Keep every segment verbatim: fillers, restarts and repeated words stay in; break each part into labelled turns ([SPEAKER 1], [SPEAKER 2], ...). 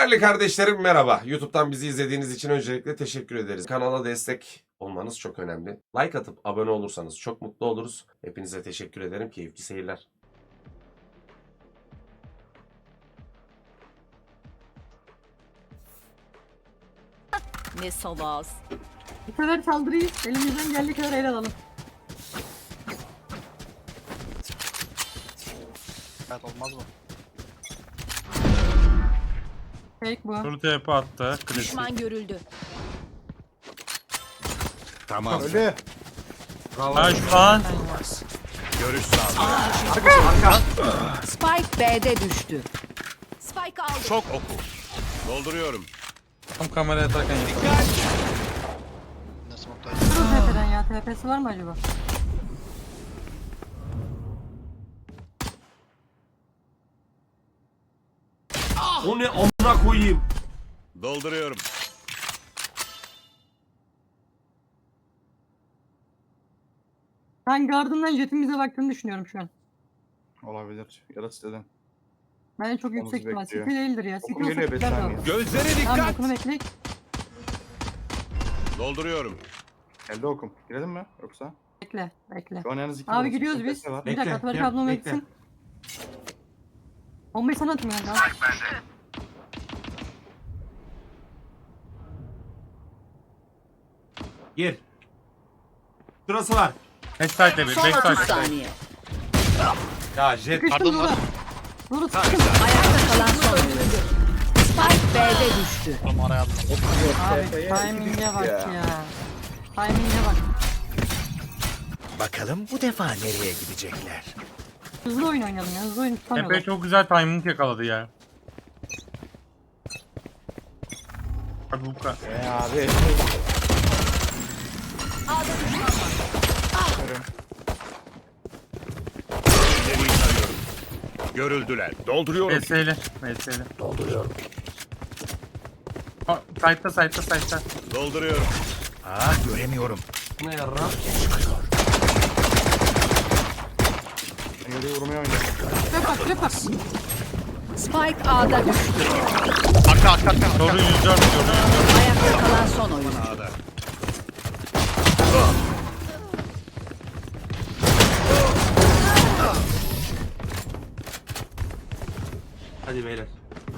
[SPEAKER 1] Değerli kardeşlerim merhaba. YouTube'dan bizi izlediğiniz için öncelikle teşekkür ederiz. Kanala destek olmanız çok önemli. Like atıp abone olursanız çok mutlu oluruz. Hepinize teşekkür ederim. Keyifli seyirler.
[SPEAKER 2] Ne salaz.
[SPEAKER 3] Bu sefer saldırıyı elimizden geldiği kadar ele alalım.
[SPEAKER 4] Evet, olmaz mı?
[SPEAKER 3] Fake bu.
[SPEAKER 5] Soru T P attı. Klasik.
[SPEAKER 2] Düşman görüldü.
[SPEAKER 6] Tamam.
[SPEAKER 4] Öyle.
[SPEAKER 5] Ha şu an
[SPEAKER 6] Görüş sağlığı.
[SPEAKER 2] Spike B'de düştü. Spike aldı.
[SPEAKER 6] Şok oku. Dolduruyorum.
[SPEAKER 5] tam kameraya atarken yapalım.
[SPEAKER 4] Nasıl montayı?
[SPEAKER 3] Dur o T P'den ya. T P'si var mı acaba?
[SPEAKER 1] O ne amına koyayım.
[SPEAKER 6] Dolduruyorum.
[SPEAKER 3] Ben gardından jetimize baktığını düşünüyorum şu an.
[SPEAKER 4] Olabilir. Ya da siteden.
[SPEAKER 3] Bence çok
[SPEAKER 4] Onu
[SPEAKER 3] yüksek ihtimal.
[SPEAKER 4] bekliyor.
[SPEAKER 3] City değildir ya. City
[SPEAKER 4] Okum
[SPEAKER 3] olsa
[SPEAKER 4] geliyor beş
[SPEAKER 3] çıkardı
[SPEAKER 4] saniye.
[SPEAKER 3] o.
[SPEAKER 6] Gözlere
[SPEAKER 3] Tamam
[SPEAKER 6] dikkat.
[SPEAKER 3] okunu bekleyek.
[SPEAKER 6] Dolduruyorum.
[SPEAKER 4] Elde okum. Girelim mi? Yoksa?
[SPEAKER 3] Bekle. Bekle.
[SPEAKER 4] Şu an yalnız iki
[SPEAKER 3] Abi
[SPEAKER 4] burası.
[SPEAKER 3] gidiyoruz
[SPEAKER 4] Tekne
[SPEAKER 3] biz.
[SPEAKER 4] var.
[SPEAKER 3] Bir dakika
[SPEAKER 1] Bekle,
[SPEAKER 3] Ataberk
[SPEAKER 1] gel,
[SPEAKER 3] ablam
[SPEAKER 1] bekle.
[SPEAKER 3] eksin. Bombayı sana atayım yani.
[SPEAKER 1] Gir. Şurası var.
[SPEAKER 5] Backside'de bir.
[SPEAKER 2] Son otuz
[SPEAKER 5] Backside.
[SPEAKER 2] saniye.
[SPEAKER 1] Ya jet.
[SPEAKER 3] Sıkıştım Nura. Nura sıkıştım.
[SPEAKER 2] Ayakta kalan son oyuncu. Spike B'de düştü.
[SPEAKER 4] Oğlum araya aldım.
[SPEAKER 3] Abi timing'e bak ya. Timing'e bak.
[SPEAKER 7] Bakalım bu defa nereye gidecekler?
[SPEAKER 3] Hızlı oyun oynayalım ya. Hızlı oyun
[SPEAKER 5] Epey
[SPEAKER 3] tutamıyorlar.
[SPEAKER 5] çok güzel timing yakaladı ya. Hadi bu kadar.
[SPEAKER 4] Eee abi.
[SPEAKER 6] İleriyi tarıyorum. Görüldüler. Dolduruyorum.
[SPEAKER 5] V S'li. V S'li. Dolduruyorum. Side'da side'da side'da.
[SPEAKER 6] Dolduruyorum.
[SPEAKER 7] Ah göremiyorum.
[SPEAKER 1] Ne yarra?
[SPEAKER 4] Ben yürüyü vurmaya oynuyorum.
[SPEAKER 3] Trap bak trap bak.
[SPEAKER 2] Spike A'da düştü.
[SPEAKER 4] Arka arka arka.
[SPEAKER 5] Soru yüz dört diyorum.
[SPEAKER 2] Ayakta kalan son oyuncu.
[SPEAKER 6] Sağda.
[SPEAKER 1] Hadi beyler.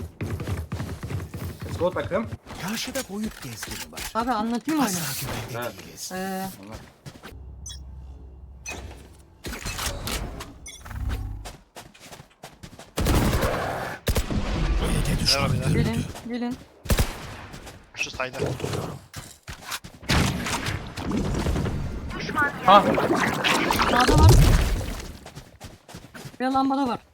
[SPEAKER 4] Let's go takım.
[SPEAKER 7] Karşıda boyut gezgini var.
[SPEAKER 3] Abi anlatayım oyunu.
[SPEAKER 7] Asla güvenli
[SPEAKER 1] Ha.
[SPEAKER 7] değiliz.
[SPEAKER 3] Ee,
[SPEAKER 7] B'de düşman görüldü.
[SPEAKER 3] gelin gelin.
[SPEAKER 4] Şu sayda.
[SPEAKER 5] Ha.
[SPEAKER 3] Sağda var. Bir lambada var.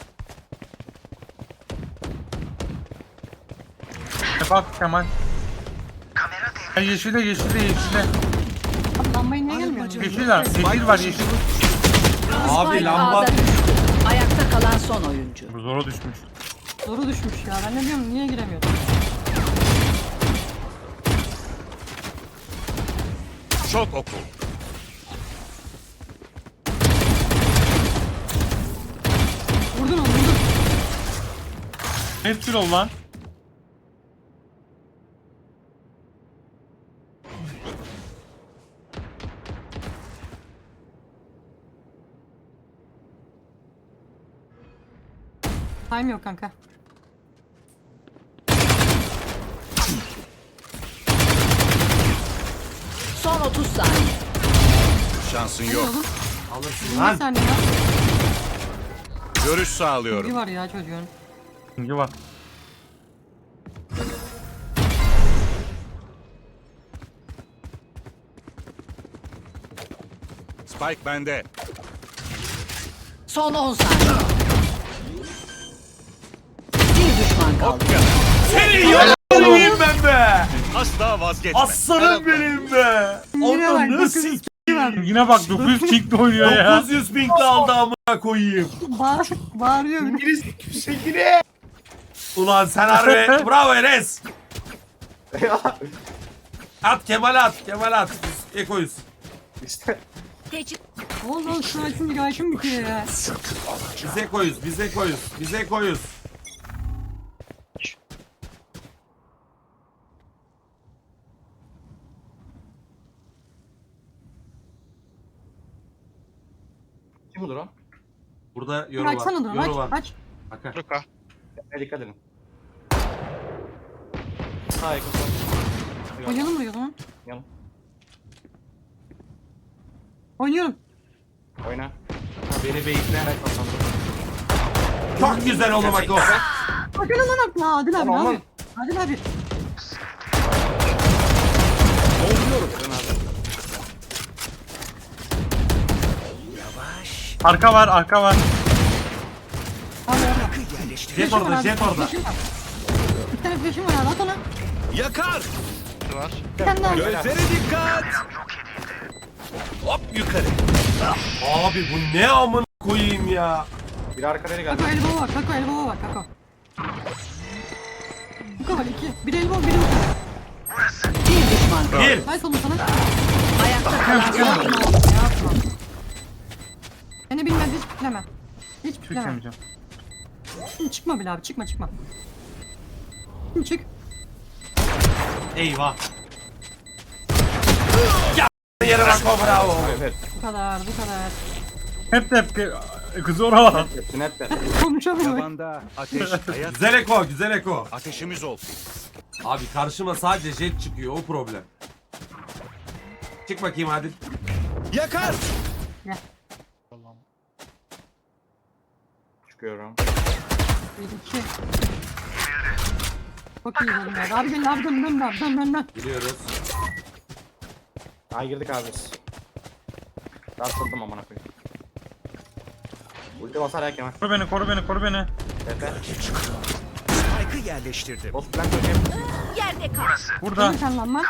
[SPEAKER 5] E bak Kemal. Ha, yeşile yeşile yeşile.
[SPEAKER 3] Abi lambayı niye gelmiyor?
[SPEAKER 5] Yeşil var. Yeşil var yeşil.
[SPEAKER 1] Abi
[SPEAKER 2] Spike
[SPEAKER 1] lamba.
[SPEAKER 2] A'da düştü. Ayakta kalan son oyuncu.
[SPEAKER 5] Bu zora düşmüş.
[SPEAKER 3] Zoru düşmüş ya. Ben ne diyorum niye giremiyorum?
[SPEAKER 6] Şok oku.
[SPEAKER 3] Vurdun onu vurdun.
[SPEAKER 5] Hepsi ol lan.
[SPEAKER 3] Time yok kanka.
[SPEAKER 2] Son otuz saniye.
[SPEAKER 6] Şansın
[SPEAKER 3] Ne
[SPEAKER 6] yok.
[SPEAKER 3] oğlum?
[SPEAKER 1] Alırsın
[SPEAKER 3] yirmi
[SPEAKER 1] lan.
[SPEAKER 3] saniye ya.
[SPEAKER 6] Görüş
[SPEAKER 3] Bir
[SPEAKER 6] sağlıyorum.
[SPEAKER 3] var ya çocuğun.
[SPEAKER 5] Şimdi bak.
[SPEAKER 6] Spike bende.
[SPEAKER 2] Son on saniye. Bir düşman kaldı.
[SPEAKER 6] Ok ya.
[SPEAKER 1] Seni yaparım ben be.
[SPEAKER 6] Asla vazgeçme.
[SPEAKER 1] Aslanım benim be.
[SPEAKER 3] Yine bak,
[SPEAKER 1] Onu
[SPEAKER 3] dokuz yüz
[SPEAKER 1] nasıl
[SPEAKER 3] var.
[SPEAKER 5] Yine bak dokuz yüz kickle oynuyor ya.
[SPEAKER 1] dokuz yüz pinkle aldı amına koyayım.
[SPEAKER 3] Bağır, bağırıyor. İngiliz.
[SPEAKER 1] Ulan sen harbi bravo Enes. At Kemal at Kemal at. Biz ekoyuz.
[SPEAKER 4] İşte.
[SPEAKER 2] Teçhit.
[SPEAKER 3] Ne oldu oğlum şu açınca gayşım bitiyor ya.
[SPEAKER 1] Biz ekoyuz biz ekoyuz biz ekoyuz.
[SPEAKER 4] mudur o?
[SPEAKER 1] Burada yoru var.
[SPEAKER 3] Açsana dur.
[SPEAKER 1] Yoru var.
[SPEAKER 3] Aç. Aç.
[SPEAKER 1] Bakar.
[SPEAKER 4] Luka.
[SPEAKER 8] Ne dikkat edin. Sağ yakın.
[SPEAKER 3] Oynayalım mı o zaman?
[SPEAKER 8] Oynayalım.
[SPEAKER 3] Oynuyorum.
[SPEAKER 8] Oyna.
[SPEAKER 1] Beni bekle. Çok güzel oğlum bak o.
[SPEAKER 3] Bakın lan akla. Adil abi.
[SPEAKER 8] Tamam,
[SPEAKER 3] Abi. Adil abi.
[SPEAKER 5] Arka var, arka var.
[SPEAKER 3] Abi orada.
[SPEAKER 7] Yerleştir.
[SPEAKER 1] Jet orada, jet orada.
[SPEAKER 3] Flash'ım var. Bir tane flash'ım var abi. At ona.
[SPEAKER 6] Yakar.
[SPEAKER 4] Şu var.
[SPEAKER 3] Bir tane daha.
[SPEAKER 6] Gözlere dikkat. Hop yukarı.
[SPEAKER 1] Abi bu ne amına koyayım ya.
[SPEAKER 8] Bir arka deli geldi.
[SPEAKER 3] Kako elbow var. Kako elbow var. Kako. Kako var iki. Bir elbow biri uçuyor.
[SPEAKER 2] Bir düşman kaldı.
[SPEAKER 1] Bir.
[SPEAKER 3] Hay sonu sana.
[SPEAKER 2] Ayakta kalan son oyuncu.
[SPEAKER 3] Yapma. Beni bilmez hiç pikleme. Hiç pikleme.
[SPEAKER 5] Çekemeyeceğim.
[SPEAKER 3] Şimdi çıkma bile abi çıkma çıkma. Şimdi çık.
[SPEAKER 1] Eyvah. Ya yere bak o bravo.
[SPEAKER 8] Evet evet.
[SPEAKER 3] Bu kadar bu kadar.
[SPEAKER 5] Hep de hep kızı oralar.
[SPEAKER 8] Hepsini hep de.
[SPEAKER 3] Konuşamıyorum.
[SPEAKER 6] Tavanda ateş hayat.
[SPEAKER 1] Güzel eko, güzel eko.
[SPEAKER 6] Ateşimiz olsun.
[SPEAKER 1] Abi karşıma sadece jet çıkıyor o problem. Çık bakayım Adil.
[SPEAKER 6] Yakar.
[SPEAKER 8] Çıkıyorum.
[SPEAKER 3] Bir iki. Çok iyi dedim ya. Abi gel abi dön dön dön dön dön dön.
[SPEAKER 1] Biliyoruz.
[SPEAKER 8] Ay girdik abi biz. Sarsıldım amına koyayım. Ulti basar ya Kemal.
[SPEAKER 5] Koru beni, koru beni, koru beni.
[SPEAKER 8] Tepe.
[SPEAKER 7] Spike'ı yerleştirdim.
[SPEAKER 8] Boss plant döneyim.
[SPEAKER 2] Yerde kal.
[SPEAKER 5] Burada.
[SPEAKER 3] Dön sen lan lan.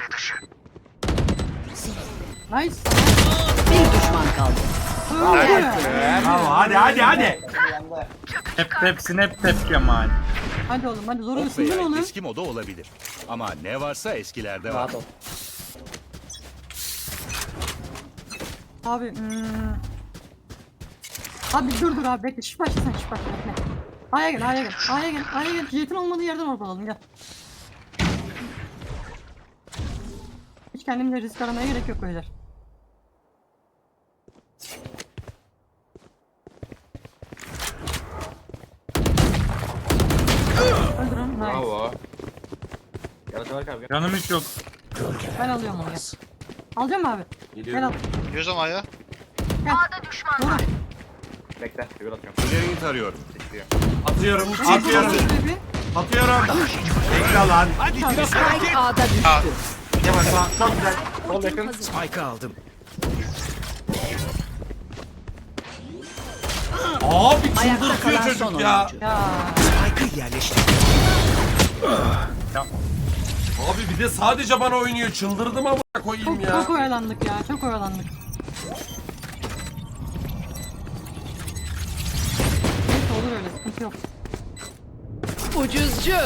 [SPEAKER 3] Nice.
[SPEAKER 2] Bir düşman kaldı.
[SPEAKER 3] Öldü.
[SPEAKER 1] Bravo hadi hadi hadi.
[SPEAKER 5] Hep hepsini hep tep Kemal.
[SPEAKER 3] Hadi oğlum hadi zoru
[SPEAKER 6] Hop
[SPEAKER 3] ısındın
[SPEAKER 6] veya
[SPEAKER 3] oğlum.
[SPEAKER 6] eski moda olabilir. Ama ne varsa eskilerde var.
[SPEAKER 8] Rahat ol.
[SPEAKER 3] Abi hmm. Abi dur dur abi bekle şiş başla sen şiş başla bekle. A'ya gel A'ya gel A'ya gel A'ya gel jetin olmadığı yerden ortalalım gel. Hiç kendimle risk aramaya gerek yok beyler. Öldürün nice.
[SPEAKER 8] Bravo. Yarasa var abi.
[SPEAKER 5] Canım hiç yok.
[SPEAKER 3] Ben alıyorum onu gel. Alacağım mı abi? Gel al.
[SPEAKER 4] Gidiyoruz ama ya.
[SPEAKER 3] Gel. Doğru.
[SPEAKER 8] Bekle. Bir atıyorum.
[SPEAKER 6] İleriyi tarıyorum.
[SPEAKER 8] Bekliyor.
[SPEAKER 1] Atıyorum, atıyorum, atıyorum. Bekle lan.
[SPEAKER 2] Spike A'da düştü.
[SPEAKER 1] Kemal sağ, çok güzel.
[SPEAKER 8] Sol yakın.
[SPEAKER 7] Spike'ı aldım.
[SPEAKER 1] Abi
[SPEAKER 2] Ayakta
[SPEAKER 1] çıldırtıyor
[SPEAKER 2] kalan son
[SPEAKER 1] çocuk ya.
[SPEAKER 2] oyuncu.
[SPEAKER 3] Ya.
[SPEAKER 7] Spike'ı yerleştirdim.
[SPEAKER 1] Abi bir de sadece bana oynuyor. Çıldırdım ama koyayım
[SPEAKER 3] Çok,
[SPEAKER 1] ya.
[SPEAKER 3] çok oyalandık ya çok oyalandık. Neyse olur öyle sıkıntı yok.
[SPEAKER 2] Ucuzcu.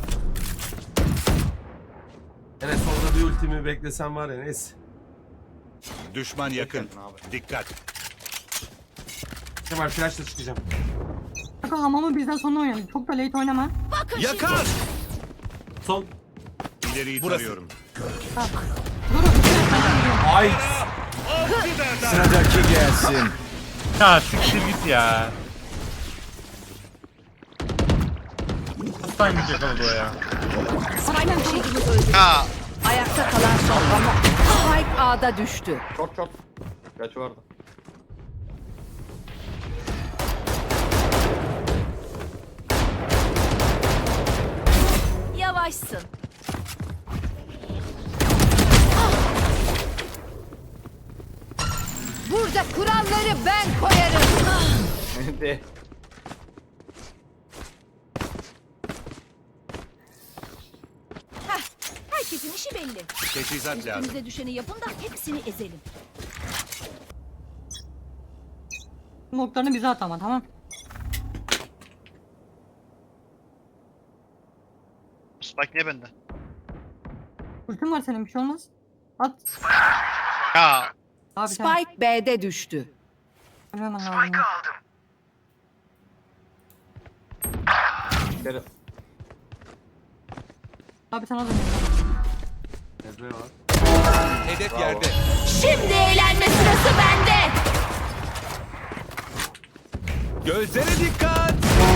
[SPEAKER 1] Evet sonra bir ultimi beklesem var ya neyse.
[SPEAKER 6] Düşman yakın.
[SPEAKER 8] Abi.
[SPEAKER 6] Dikkat.
[SPEAKER 1] Kemal flashla çıkacağım.
[SPEAKER 3] Kanka hamamı bizden sonra oynayalım. Çok da late oynama.
[SPEAKER 6] Yakar.
[SPEAKER 1] Son.
[SPEAKER 6] İleriyi tarıyorum.
[SPEAKER 3] Dur
[SPEAKER 1] Ay.
[SPEAKER 7] Sıradaki gelsin.
[SPEAKER 5] Ya siktir git ya. Hastaymayacak oldu o ya.
[SPEAKER 3] Aynen çok
[SPEAKER 2] Şeklimiz öldü.
[SPEAKER 4] Ha.
[SPEAKER 2] Ayakta kalan son oyuncu. Spike A'da düştü.
[SPEAKER 8] Çok çok. Kaçı vardı.
[SPEAKER 2] Yavaşsın. Burada kuralları ben koyarım.
[SPEAKER 8] De.
[SPEAKER 2] Herkesin işi belli.
[SPEAKER 6] Teçhizat lazım.
[SPEAKER 2] Üstümüze düşeni yapın da hepsini ezelim.
[SPEAKER 3] noktalarını bize at ama tamam.
[SPEAKER 4] Spike niye bende?
[SPEAKER 3] Ultim var senin bir şey olmaz. At.
[SPEAKER 4] Ya.
[SPEAKER 3] Abi sen
[SPEAKER 2] Spike B'de düştü.
[SPEAKER 3] hemen lazım. ya.
[SPEAKER 8] İçeri.
[SPEAKER 3] Abi sana dönüyorum.
[SPEAKER 1] Ezber var.
[SPEAKER 6] Hedef
[SPEAKER 8] Bravo.
[SPEAKER 6] yerde.
[SPEAKER 2] Şimdi eğlenme sırası bende.
[SPEAKER 6] Gözlere dikkat.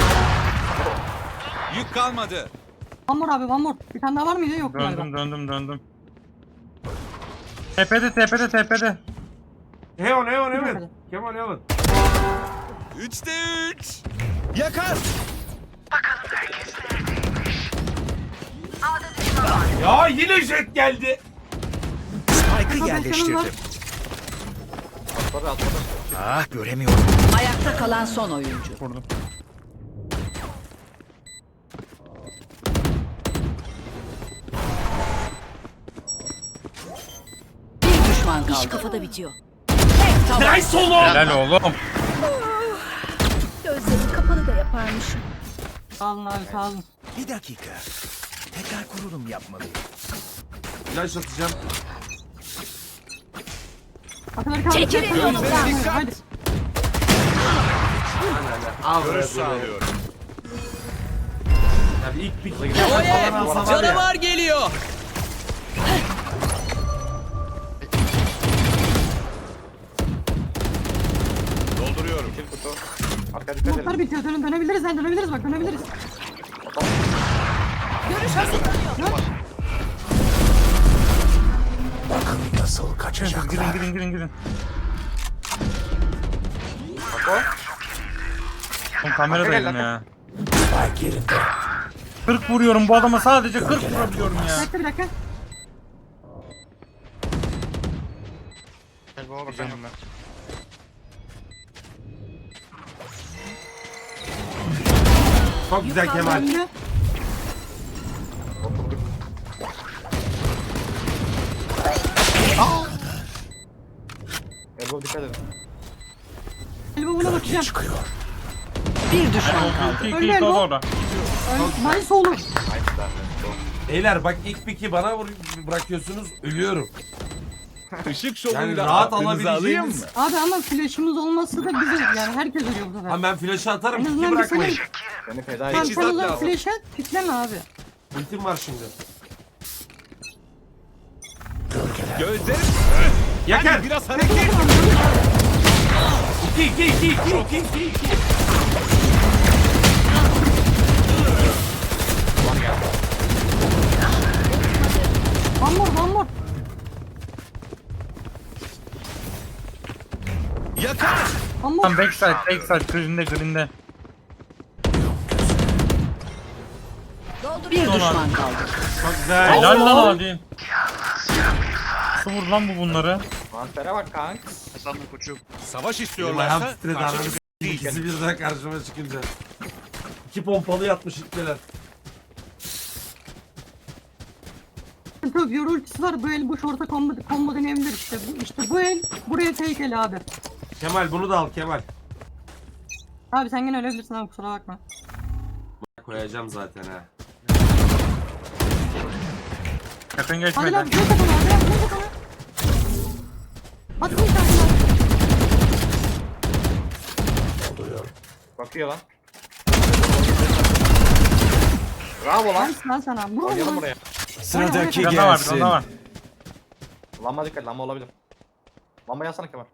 [SPEAKER 6] Yük kalmadı.
[SPEAKER 3] One more abi one more. Bir tane daha var mıydı? Yok galiba.
[SPEAKER 5] Döndüm döndüm döndüm. Tepede tepede tepede.
[SPEAKER 1] Heaven heaven heaven. Kemal heaven.
[SPEAKER 6] Üçte üç. Yakar.
[SPEAKER 1] Ya yine jet geldi.
[SPEAKER 7] Spike'ı
[SPEAKER 3] var.
[SPEAKER 7] yerleştirdim.
[SPEAKER 8] Atladı atladı.
[SPEAKER 7] Ah göremiyorum.
[SPEAKER 2] Ayakta kalan son oyuncu.
[SPEAKER 5] Vurdum.
[SPEAKER 2] Bir düşman kaldı. İş kafada bitiyor. Tek taban.
[SPEAKER 1] Nice oğlum.
[SPEAKER 5] Helal oğlum.
[SPEAKER 2] Gözlerim kapalı da yaparmışım.
[SPEAKER 3] Sağ olun abi sağ olun.
[SPEAKER 7] Bir dakika. Tekrar kurulum yapmalıyım.
[SPEAKER 1] Flash atacağım.
[SPEAKER 3] Ataları kaldı.
[SPEAKER 2] Çekilin yolumdan.
[SPEAKER 3] Hadi.
[SPEAKER 1] Al
[SPEAKER 6] Görüş
[SPEAKER 1] be bunu.
[SPEAKER 6] sağlıyorum.
[SPEAKER 1] Yani ilk bir falan alsa var ya.
[SPEAKER 6] geliyor. Dolduruyorum.
[SPEAKER 8] Kill kutu. Arka dikkat
[SPEAKER 3] Umutlar
[SPEAKER 8] edin.
[SPEAKER 3] bitiyor. Dön, dönebiliriz lan dönebiliriz bak dönebiliriz.
[SPEAKER 2] Görüş hazırlanıyor.
[SPEAKER 7] Nasıl kaçacaklar?
[SPEAKER 5] Girin girin girin girin. Oğlum kameradaydım ya.
[SPEAKER 7] Spike yerinde.
[SPEAKER 5] kırk vuruyorum bu adama, sadece kırk vurabiliyorum
[SPEAKER 3] Bir
[SPEAKER 5] ya.
[SPEAKER 3] dakika bir dakika.
[SPEAKER 4] Elbow'a bakacağım ben.
[SPEAKER 1] Çok güzel Kemal.
[SPEAKER 3] Önde.
[SPEAKER 8] Elbow dikkat edin.
[SPEAKER 3] Elime buna bakacağım.
[SPEAKER 7] Çıkıyor.
[SPEAKER 2] Bir düşman kaldı.
[SPEAKER 5] İki
[SPEAKER 3] Öyle
[SPEAKER 5] iki iki
[SPEAKER 3] mi?
[SPEAKER 5] orada.
[SPEAKER 3] Nice oğlum.
[SPEAKER 8] Nice lan.
[SPEAKER 1] Beyler bak ilk piki bana vur bırakıyorsunuz ölüyorum.
[SPEAKER 6] Işık
[SPEAKER 1] Yani
[SPEAKER 6] şovuyla
[SPEAKER 1] rahat
[SPEAKER 6] aklınızı alayım
[SPEAKER 1] alabileceğiniz.
[SPEAKER 6] mı?
[SPEAKER 3] Abi ama flash'ımız olması da bize yani herkes ölüyor bu sefer.
[SPEAKER 1] Ha ben flash'ı atarım
[SPEAKER 3] En
[SPEAKER 1] piki
[SPEAKER 3] azından bir
[SPEAKER 1] bırakmayın.
[SPEAKER 3] senin-
[SPEAKER 8] Seni feda
[SPEAKER 3] Tamam
[SPEAKER 8] edeceğiz.
[SPEAKER 3] sen o
[SPEAKER 6] Teçhizat
[SPEAKER 3] zaman
[SPEAKER 6] lazım.
[SPEAKER 3] flash at, pikleme abi.
[SPEAKER 1] Ultim var şimdi.
[SPEAKER 6] Gözlerim.
[SPEAKER 1] Yakar.
[SPEAKER 6] Biraz hareket.
[SPEAKER 1] iki iki iki iki iki iki iki.
[SPEAKER 3] One more, one more.
[SPEAKER 6] Yakar.
[SPEAKER 3] One more.
[SPEAKER 5] Tam backside backside green'de green'de.
[SPEAKER 2] Bir düşman kaldı.
[SPEAKER 1] Çok güzel.
[SPEAKER 5] Helal lan hadi. Nasıl vurdu lan bu bunları?
[SPEAKER 8] Transfere bak kank.
[SPEAKER 4] Hasan'ın koçu.
[SPEAKER 6] Savaş
[SPEAKER 1] Benim ayağım
[SPEAKER 6] istiyorlarsa
[SPEAKER 1] titredi
[SPEAKER 6] karşı
[SPEAKER 1] ananı
[SPEAKER 6] çık-
[SPEAKER 1] s**eyim. İkisi birden karşıma çıkınca. İki pompalı yatmış itmeler.
[SPEAKER 3] Çok yoru ultisi var. Bu el bu şorta combo, combo deneyebilir işte. Bu, işte bu el buraya take el abi.
[SPEAKER 1] Kemal bunu da al Kemal.
[SPEAKER 3] Abi sen gene ölebilirsin abi kusura bakma.
[SPEAKER 1] Koyacağım zaten ha.
[SPEAKER 5] Yakın
[SPEAKER 3] Hadi
[SPEAKER 5] geçmedi.
[SPEAKER 3] lan göz takımı hadi lan göz takımı. Hadi bir tane lan.
[SPEAKER 8] Bakıyor lan. Bravo lan.
[SPEAKER 3] Nice lan sana. Vur
[SPEAKER 8] Oynayalım
[SPEAKER 3] lan.
[SPEAKER 8] buraya.
[SPEAKER 7] Sıradaki
[SPEAKER 5] Bir tane daha var bir
[SPEAKER 7] gelsin.
[SPEAKER 5] tane daha var.
[SPEAKER 8] Lamba dikkat, lamba olabilir. Lamba yazsana Kemal.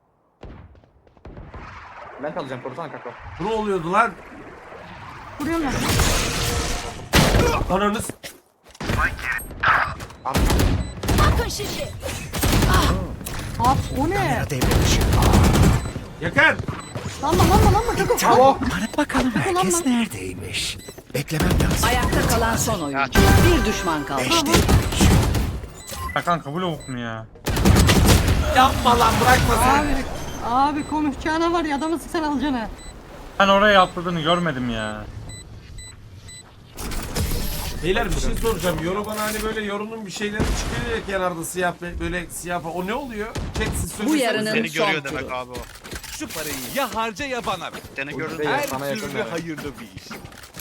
[SPEAKER 8] Ben alacağım, korusana kakao.
[SPEAKER 1] Bu ne oluyordu lan?
[SPEAKER 3] Vuruyorum lan.
[SPEAKER 1] Ananız.
[SPEAKER 2] Bakın şimdi.
[SPEAKER 3] Abi o ne?
[SPEAKER 7] Kamera devre dışı.
[SPEAKER 1] Yakar.
[SPEAKER 3] Lanma lanma lanma takım.
[SPEAKER 8] Bravo.
[SPEAKER 7] Bana bakalım herkes neredeymiş. Beklemem lazım.
[SPEAKER 2] Ayakta kalan son oyuncu. Bir düşman kaldı.
[SPEAKER 5] Ya kanka bu lavuk mu ya?
[SPEAKER 1] Yapma lan bırakma sen.
[SPEAKER 3] Abi abi konuşacağına var ya adamı sıksan alacaksın.
[SPEAKER 5] Ben oraya atladığını görmedim ya.
[SPEAKER 1] Beyler bir şey soracağım. Yoru bana hani böyle yorunun bir şeyleri çıkıyor ya kenarda siyah be- böyle siyah falan. O ne oluyor? Chat siz söylesenize.
[SPEAKER 2] yarının-
[SPEAKER 4] Seni
[SPEAKER 2] Son
[SPEAKER 4] görüyor
[SPEAKER 2] turu.
[SPEAKER 4] demek abi o.
[SPEAKER 6] Şu parayı ya harca ya bana ver.
[SPEAKER 4] Seni gördü.
[SPEAKER 8] Değil,
[SPEAKER 6] Her
[SPEAKER 8] sana yakın
[SPEAKER 6] türlü
[SPEAKER 8] yani.
[SPEAKER 6] hayırlı bir iş.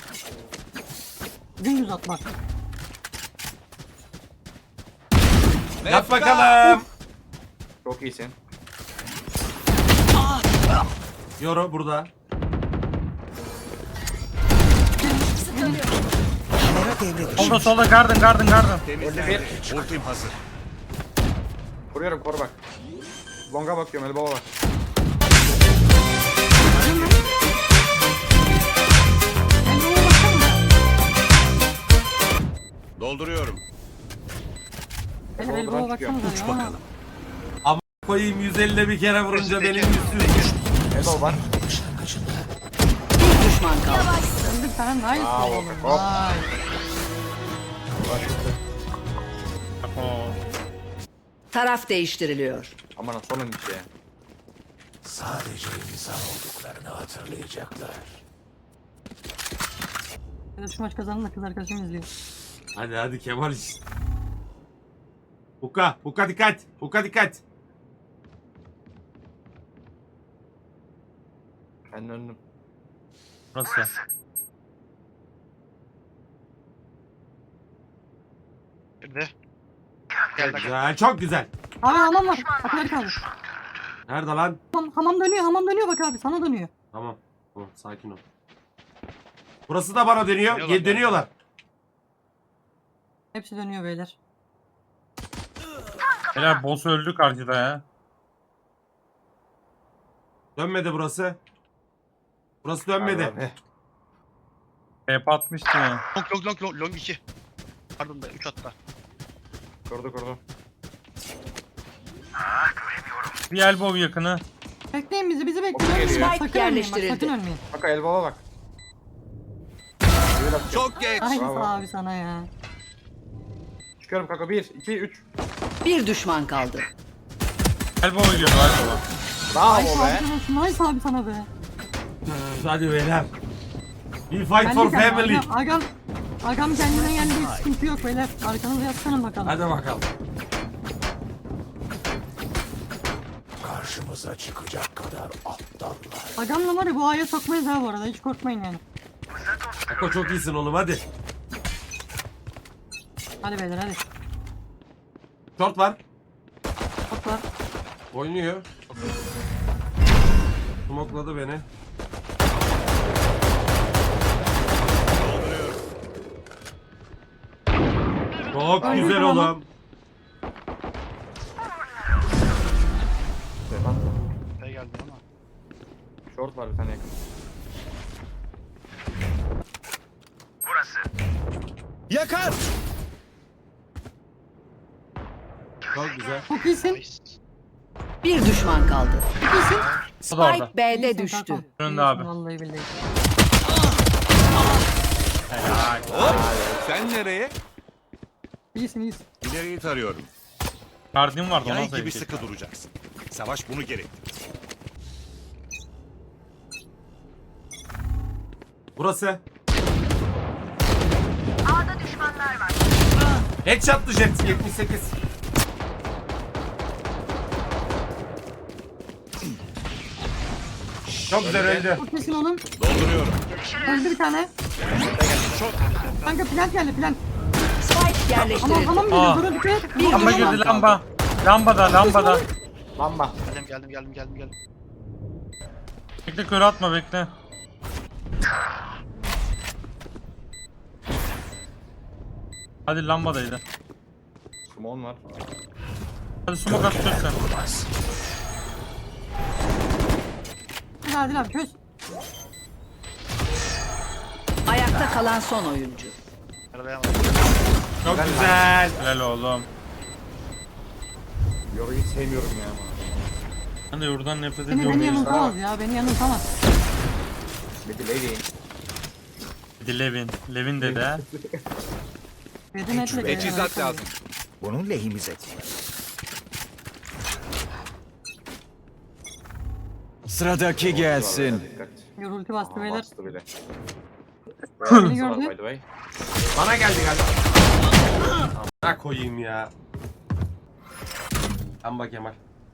[SPEAKER 3] Dümdüz atmak.
[SPEAKER 1] Yap bakalım.
[SPEAKER 8] Çok iyisin.
[SPEAKER 1] Yoru burada.
[SPEAKER 7] Kamera devre dışı.
[SPEAKER 5] Solda solda garden garden garden.
[SPEAKER 6] Temizlendi. Ultim hazır.
[SPEAKER 8] Kuruyorum, koru bak. Longa bakıyorum, elbow'a bak.
[SPEAKER 6] Dolduruyorum.
[SPEAKER 3] El el baba baksanıza
[SPEAKER 7] Uç
[SPEAKER 3] ya.
[SPEAKER 7] bakalım.
[SPEAKER 1] Koyayım yüz ellide bir kere vurunca benim yüzsüz.
[SPEAKER 8] Elbow var.
[SPEAKER 2] Bir düşman kaldı.
[SPEAKER 3] Öldük sana nice
[SPEAKER 8] Bravo,
[SPEAKER 3] oğlum.
[SPEAKER 8] hop.
[SPEAKER 3] Nice.
[SPEAKER 5] Oo.
[SPEAKER 2] Taraf değiştiriliyor.
[SPEAKER 8] Aman sonun içi.
[SPEAKER 7] Sadece insan olduklarını hatırlayacaklar.
[SPEAKER 3] Ya da şu maç kazanın da kız arkadaşım izliyor.
[SPEAKER 1] Hadi hadi Kemal iş. Huka, Huka dikkat. Huka dikkat.
[SPEAKER 8] Ben önüm.
[SPEAKER 5] Burası.
[SPEAKER 4] Bir de. Gel bak.
[SPEAKER 1] Güzel, çok güzel.
[SPEAKER 3] Abi hamam var. Akılları kaldı.
[SPEAKER 1] Nerede lan?
[SPEAKER 3] Hamam, hamam dönüyor hamam dönüyor bak abi sana dönüyor.
[SPEAKER 1] Tamam. Tamam, sakin ol. Burası da bana dönüyor.
[SPEAKER 4] Dönüyorlar
[SPEAKER 1] Gel dönüyorlar.
[SPEAKER 3] Hepsi dönüyor beyler.
[SPEAKER 5] Beyler boss öldü karşıda ya.
[SPEAKER 1] Dönmedi burası. Burası dönmedi.
[SPEAKER 8] Abi.
[SPEAKER 5] Hep atmıştı ya.
[SPEAKER 4] Long long long long long iki. Pardon da üç hatta.
[SPEAKER 8] Kurdu kurdu.
[SPEAKER 5] Bir elbow yakını.
[SPEAKER 3] Bekleyin bizi bizi
[SPEAKER 8] Okey,
[SPEAKER 3] bekleyin.
[SPEAKER 8] geliyor.
[SPEAKER 3] Bak,
[SPEAKER 2] Spike
[SPEAKER 3] sakın ölmeyin bak
[SPEAKER 2] yerleştirildi.
[SPEAKER 3] sakın ölmeyin.
[SPEAKER 8] Bak elbow'a bak.
[SPEAKER 6] Çok geç.
[SPEAKER 3] Ay
[SPEAKER 8] Bravo.
[SPEAKER 3] abi sana ya.
[SPEAKER 8] Çıkıyorum kanka bir, iki, üç.
[SPEAKER 2] Bir düşman kaldı.
[SPEAKER 5] Elbow geliyor elbow.
[SPEAKER 8] Bravo
[SPEAKER 3] Nice
[SPEAKER 8] be.
[SPEAKER 3] abi sana, nice abi sana be.
[SPEAKER 1] Hadi beyler. We fight for
[SPEAKER 3] Geldik abi,
[SPEAKER 1] family.
[SPEAKER 3] Agam, agam, agam kendine geldi sıkıntı yok beyler. Arkanıza yaslanın bakalım.
[SPEAKER 1] Hadi bakalım.
[SPEAKER 7] Karşımıza çıkacak kadar aptallar.
[SPEAKER 3] Agamla var ya bu aya sokmayız ha bu arada hiç korkmayın yani.
[SPEAKER 1] Ako çok iyisin oğlum hadi.
[SPEAKER 3] Hadi beyler hadi.
[SPEAKER 1] Short var.
[SPEAKER 3] Top var.
[SPEAKER 1] Oynuyor. Smokladı beni. Çok
[SPEAKER 3] Ay,
[SPEAKER 1] güzel
[SPEAKER 3] tamam.
[SPEAKER 1] oğlum.
[SPEAKER 4] Şey geldi ama.
[SPEAKER 8] Short var bir tane yakın.
[SPEAKER 6] Yakar.
[SPEAKER 1] Çok güzel.
[SPEAKER 3] Çok iyisin.
[SPEAKER 4] Nice.
[SPEAKER 2] Bir düşman kaldı.
[SPEAKER 3] Çok iyisin.
[SPEAKER 5] O da orada.
[SPEAKER 2] Spike B'de
[SPEAKER 3] İyisin
[SPEAKER 2] düştü.
[SPEAKER 3] kankam.
[SPEAKER 5] Önünde
[SPEAKER 3] İyisin,
[SPEAKER 5] abi.
[SPEAKER 3] Vallahi billahi.
[SPEAKER 6] Hop. Sen nereye?
[SPEAKER 3] İyisin iyisin.
[SPEAKER 6] İleriyi tarıyorum.
[SPEAKER 5] Guardian vardı ona
[SPEAKER 6] Yay gibi
[SPEAKER 5] sayık.
[SPEAKER 6] sıkı duracaksın. Savaş bunu gerektirir.
[SPEAKER 1] Burası. A'da düşmanlar var. Headshot'lı jet yetmiş sekiz. Çok güzel öldü.
[SPEAKER 3] Çok iyisin oğlum.
[SPEAKER 6] Dolduruyorum.
[SPEAKER 3] Öldü bir tane. Kanka plant geldi plant.
[SPEAKER 2] Spike
[SPEAKER 3] Aman
[SPEAKER 2] yerleştirildi.
[SPEAKER 3] hamam
[SPEAKER 5] Aa.
[SPEAKER 3] geliyor. Dur dikkat et.
[SPEAKER 2] Bir
[SPEAKER 5] Lamba
[SPEAKER 2] düşman
[SPEAKER 5] girdi
[SPEAKER 2] kaldı.
[SPEAKER 5] lamba. Lambada lambada.
[SPEAKER 8] Lamba.
[SPEAKER 4] Geldim geldim geldim geldim geldim.
[SPEAKER 5] Bekle kör atma bekle. Hadi lambadaydı.
[SPEAKER 8] Small var.
[SPEAKER 5] Hadi smoke at çöz sen.
[SPEAKER 3] Hadi Adil abi çöz.
[SPEAKER 2] Ayakta kalan son oyuncu.
[SPEAKER 4] Arabaya
[SPEAKER 1] Çok güzel.
[SPEAKER 5] Helal oğlum.
[SPEAKER 8] Yoru hiç sevmiyorum ya.
[SPEAKER 5] Ben de yurdan nefret
[SPEAKER 3] Beni, beni
[SPEAKER 5] ediyorum.
[SPEAKER 3] yanıltamaz ya. Beni yanıltamaz.
[SPEAKER 8] Bir de lady.
[SPEAKER 5] Hadi Levin. Levin dedi ha.
[SPEAKER 3] Dedin etle geldi.
[SPEAKER 6] Teçhizat lazım.
[SPEAKER 7] Bunun lehimize kullan. Sıradaki gelsin.
[SPEAKER 8] Dikkat.
[SPEAKER 3] Yorultu bastı
[SPEAKER 8] Aha,
[SPEAKER 3] beyler.
[SPEAKER 8] bastı bile.
[SPEAKER 3] Beni
[SPEAKER 8] By
[SPEAKER 3] gördü.
[SPEAKER 8] the way.
[SPEAKER 1] Bana geldi galiba. Ha koyayım ya. Amba Kemal.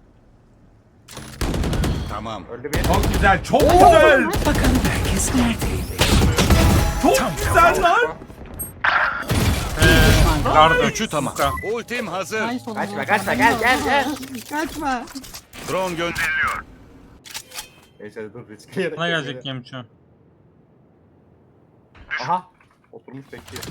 [SPEAKER 6] Tamam.
[SPEAKER 8] Öldü bir.
[SPEAKER 1] Çok güzel, çok güzel.
[SPEAKER 7] Bakalım herkes neredeymiş?
[SPEAKER 1] Çok güzel lan.
[SPEAKER 5] Eee. Garda.
[SPEAKER 6] Üçü tamam. Ultim hazır.
[SPEAKER 3] Nice oğlum.
[SPEAKER 8] Kaçma,
[SPEAKER 3] ya.
[SPEAKER 8] kaçma, gel, gel, gel.
[SPEAKER 3] Kaçma.
[SPEAKER 6] Drone gönderiliyor.
[SPEAKER 8] Neyse dur riskli yere.
[SPEAKER 5] Bana gelecek Yemço.
[SPEAKER 8] Aha. Oturmuş bekliyor.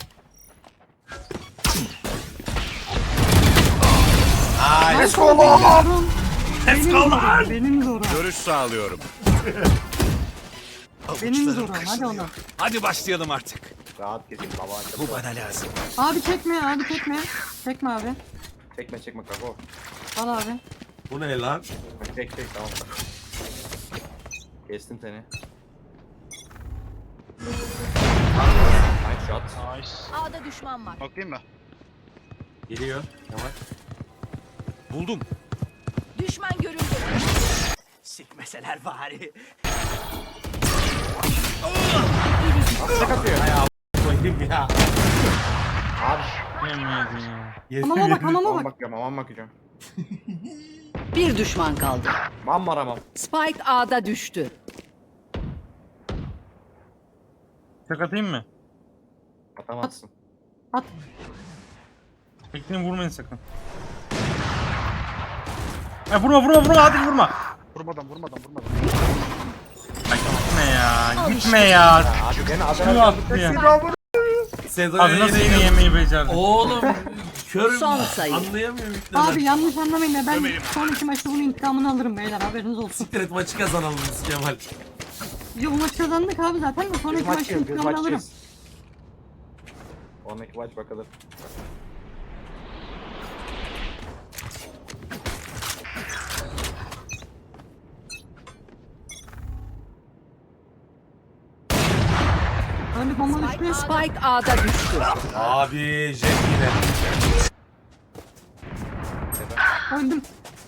[SPEAKER 3] Let's go lan.
[SPEAKER 1] Let's go lan.
[SPEAKER 3] Benim zorum.
[SPEAKER 6] Görüş sağlıyorum.
[SPEAKER 3] Benim zorum. Hadi oğlum.
[SPEAKER 6] Hadi başlayalım artık.
[SPEAKER 8] Rahat gezeyim baba.
[SPEAKER 7] Bu bana lazım.
[SPEAKER 3] Abi çekme abi çekme. Çekme abi.
[SPEAKER 8] Çekme çekme kako.
[SPEAKER 3] Al abi.
[SPEAKER 1] Bu ne lan?
[SPEAKER 8] Çek çek tamam. Kestim seni. Nice shot.
[SPEAKER 4] Nice.
[SPEAKER 2] A'da düşman var.
[SPEAKER 4] Bakayım mı?
[SPEAKER 1] Geliyor. Kemal.
[SPEAKER 6] Buldum.
[SPEAKER 2] Düşman görüldü.
[SPEAKER 7] Sikmeseler bari.
[SPEAKER 8] Tek atıyor.
[SPEAKER 1] Koyayım ya.
[SPEAKER 8] Abi.
[SPEAKER 5] Yemiyordun ya.
[SPEAKER 3] Hamama bak hamama
[SPEAKER 8] Aman
[SPEAKER 3] bak.
[SPEAKER 8] bakıyorum aman bakacağım.
[SPEAKER 2] Bir düşman kaldı.
[SPEAKER 8] Man var amam.
[SPEAKER 2] Spike A'da düştü.
[SPEAKER 5] Tek atayım mı?
[SPEAKER 8] Atamazsın.
[SPEAKER 3] At.
[SPEAKER 5] Bekleyin vurmayın sakın. Ya vurma vurma vurma hadi vurma.
[SPEAKER 4] Vurmadan vurmadan vurmadan.
[SPEAKER 5] Ay gitme ya. Gitme ya.
[SPEAKER 8] Abi beni
[SPEAKER 5] Şunu
[SPEAKER 8] adana
[SPEAKER 5] attı ya.
[SPEAKER 1] Sedo'ya
[SPEAKER 5] Abi nasıl
[SPEAKER 1] yine
[SPEAKER 5] yine yemeği becerdin?
[SPEAKER 1] Oğlum körüm.
[SPEAKER 2] Son sayı.
[SPEAKER 1] Anlayamıyorum yüklemem.
[SPEAKER 3] Abi yanlış anlamayın da ben sonraki maçta bunun intikamını alırım beyler haberiniz olsun.
[SPEAKER 1] Siktir et maçı kazanalım biz Kemal.
[SPEAKER 3] Ya bu maç kazandık abi zaten de sonraki maçta
[SPEAKER 8] maçıyız biz
[SPEAKER 3] intikamını alırım.
[SPEAKER 8] maçıyız. Sonraki maç bakalım.
[SPEAKER 3] Öyle bomba düştü.
[SPEAKER 2] Spike A'da düştü.
[SPEAKER 1] Abi jet yine.
[SPEAKER 3] Öldüm.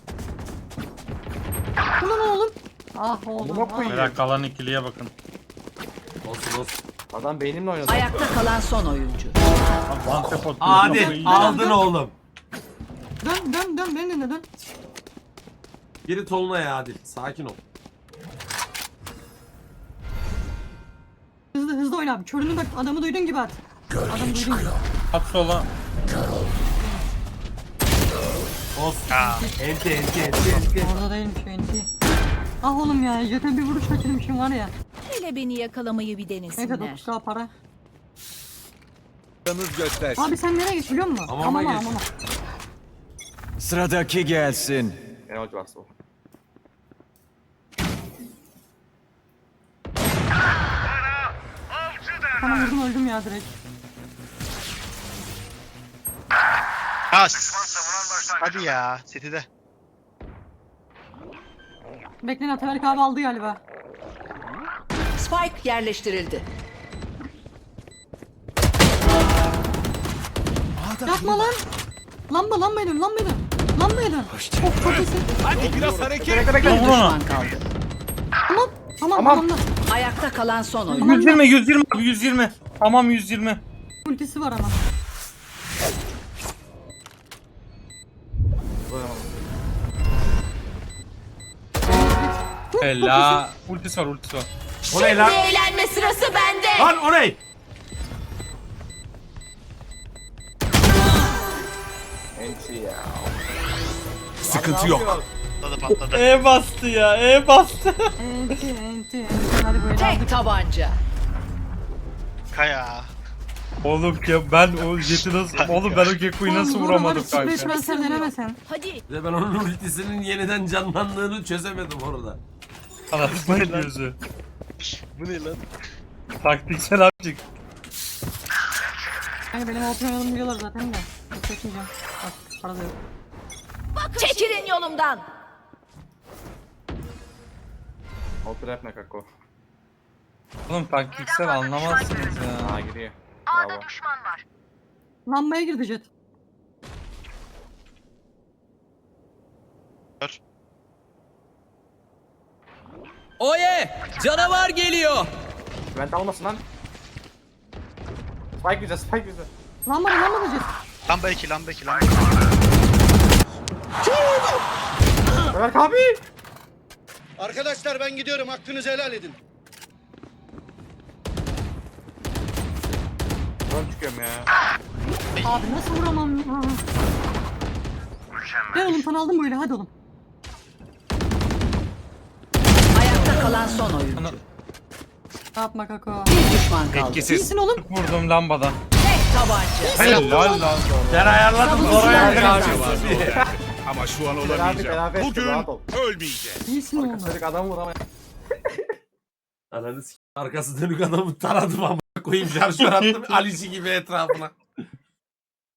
[SPEAKER 3] Ulan oğlum. Ah oğlum.
[SPEAKER 8] Amına
[SPEAKER 3] ah.
[SPEAKER 8] koyayım.
[SPEAKER 5] Beyler kalan ikiliye bakın.
[SPEAKER 1] Olsun olsun.
[SPEAKER 8] Adam beynimle oynadı.
[SPEAKER 2] Ayakta kalan son oyuncu.
[SPEAKER 5] One tap atıyor.
[SPEAKER 1] Adil aldın oğlum.
[SPEAKER 3] Dön dön dön beni dinle dön.
[SPEAKER 1] Geri Tolunay'a Adil. Sakin ol.
[SPEAKER 3] Hızlı hızlı oyna abi. Körünü bak adamı duyduğun gibi at. Adamı duyduğun gibi.
[SPEAKER 5] At sola.
[SPEAKER 1] Olsun. Enti enti enti enti.
[SPEAKER 3] Orada değilmiş enti. Ah oğlum ya jete bir vuruş kaçırmışım var ya.
[SPEAKER 2] Hele beni yakalamayı bir
[SPEAKER 3] Neyse
[SPEAKER 2] denesinler.
[SPEAKER 3] dokuz K para.
[SPEAKER 6] Yanınız göster.
[SPEAKER 3] Abi sen nereye geç biliyor musun?
[SPEAKER 1] Hamama
[SPEAKER 3] Hamama
[SPEAKER 1] geç.
[SPEAKER 3] hamama.
[SPEAKER 7] Sıradaki gelsin.
[SPEAKER 8] Ne hoca bastı o.
[SPEAKER 3] Sana vurdum öldüm ya direkt.
[SPEAKER 4] As. Hadi ya. Seti de.
[SPEAKER 3] Bekleyin Ataberk abi aldı galiba.
[SPEAKER 2] Spike yerleştirildi.
[SPEAKER 3] Yapma lan. Lamba lambaya dön lambaya dön. Lambaya dön. Of çok iyisin.
[SPEAKER 6] Hadi biraz hareket.
[SPEAKER 8] Bekle
[SPEAKER 2] Bir
[SPEAKER 8] bekle.
[SPEAKER 5] Vur onu.
[SPEAKER 2] düşman kaldı.
[SPEAKER 3] Tamam. Tamam
[SPEAKER 8] Tamam.
[SPEAKER 3] tamam.
[SPEAKER 2] Ayakta kalan son oyuncu.
[SPEAKER 3] Tamam.
[SPEAKER 5] yüz yirmi yüz yirmi abi yüz yirmi. Tamam yüz yirmi.
[SPEAKER 3] Ultisi var ama.
[SPEAKER 5] Ella. Ultisi var ultisi var.
[SPEAKER 1] O ne lan?
[SPEAKER 2] Eğlenme sırası bende.
[SPEAKER 1] Lan o ne?
[SPEAKER 8] Enti ya.
[SPEAKER 7] Sıkıntı yok.
[SPEAKER 4] Patladı patladı.
[SPEAKER 5] E bastı ya E bastı.
[SPEAKER 3] Enti enti enti. Hadi böyle
[SPEAKER 2] Tek
[SPEAKER 3] aldık.
[SPEAKER 2] tabanca.
[SPEAKER 4] Kaya.
[SPEAKER 5] Oğlum ya ben o jeti nasıl... Oğlum ben o Gekko'yu nasıl
[SPEAKER 3] Oğlum,
[SPEAKER 5] vuramadım
[SPEAKER 3] vuramadım.
[SPEAKER 5] kanka?
[SPEAKER 3] Sprey transfer denemesen.
[SPEAKER 2] Hadi.
[SPEAKER 1] Bir de ben onun ultisinin yeniden canlandığını çözemedim orada.
[SPEAKER 5] Anasını gözü.
[SPEAKER 4] Bu ne lan?
[SPEAKER 5] Taktiksel abicik.
[SPEAKER 3] Hani benim open oynadığımı biliyorlar zaten de. Çekmeyeceğim. Bak para da yok.
[SPEAKER 2] Çekilin yolumdan.
[SPEAKER 8] Otur yapma kako.
[SPEAKER 5] Oğlum taktiksel anlamazsınız ya.
[SPEAKER 8] Ha giriyor. Bravo.
[SPEAKER 3] Lambaya girdi jet.
[SPEAKER 7] Oye! Canavar geliyor.
[SPEAKER 8] Vent almasın lan. Spike güzel spike güzel.
[SPEAKER 3] Lambada lambada jet.
[SPEAKER 4] Lamba iki lamba iki lamba.
[SPEAKER 8] Berk abi.
[SPEAKER 9] Arkadaşlar ben gidiyorum. Hakkınızı helal edin.
[SPEAKER 8] Ben çıkıyorum ya.
[SPEAKER 3] Abi nasıl vuramam ya? Gel oğlum sana aldım böyle hadi oğlum.
[SPEAKER 2] Ayakta kalan son oyuncu.
[SPEAKER 3] Yapma kako.
[SPEAKER 2] Bir düşman kaldı.
[SPEAKER 6] Etkisiz.
[SPEAKER 3] İyisin oğlum.
[SPEAKER 5] Vurdum lambadan.
[SPEAKER 2] Tek tabanca.
[SPEAKER 5] Helal lan.
[SPEAKER 1] Ben ayarladım oraya
[SPEAKER 8] Helal
[SPEAKER 1] gireceğim.
[SPEAKER 6] Ama şu an
[SPEAKER 8] Beraber,
[SPEAKER 6] olamayacağım.
[SPEAKER 8] beraber,
[SPEAKER 6] Bugün
[SPEAKER 8] rahat ol.
[SPEAKER 6] ölmeyeceğim.
[SPEAKER 3] İyisin oğlum.
[SPEAKER 8] Çocuk adam vuramaya.
[SPEAKER 1] Ananı s*** arkası dönük adamı taradım ama Koyayım şarjör attım Alici gibi etrafına.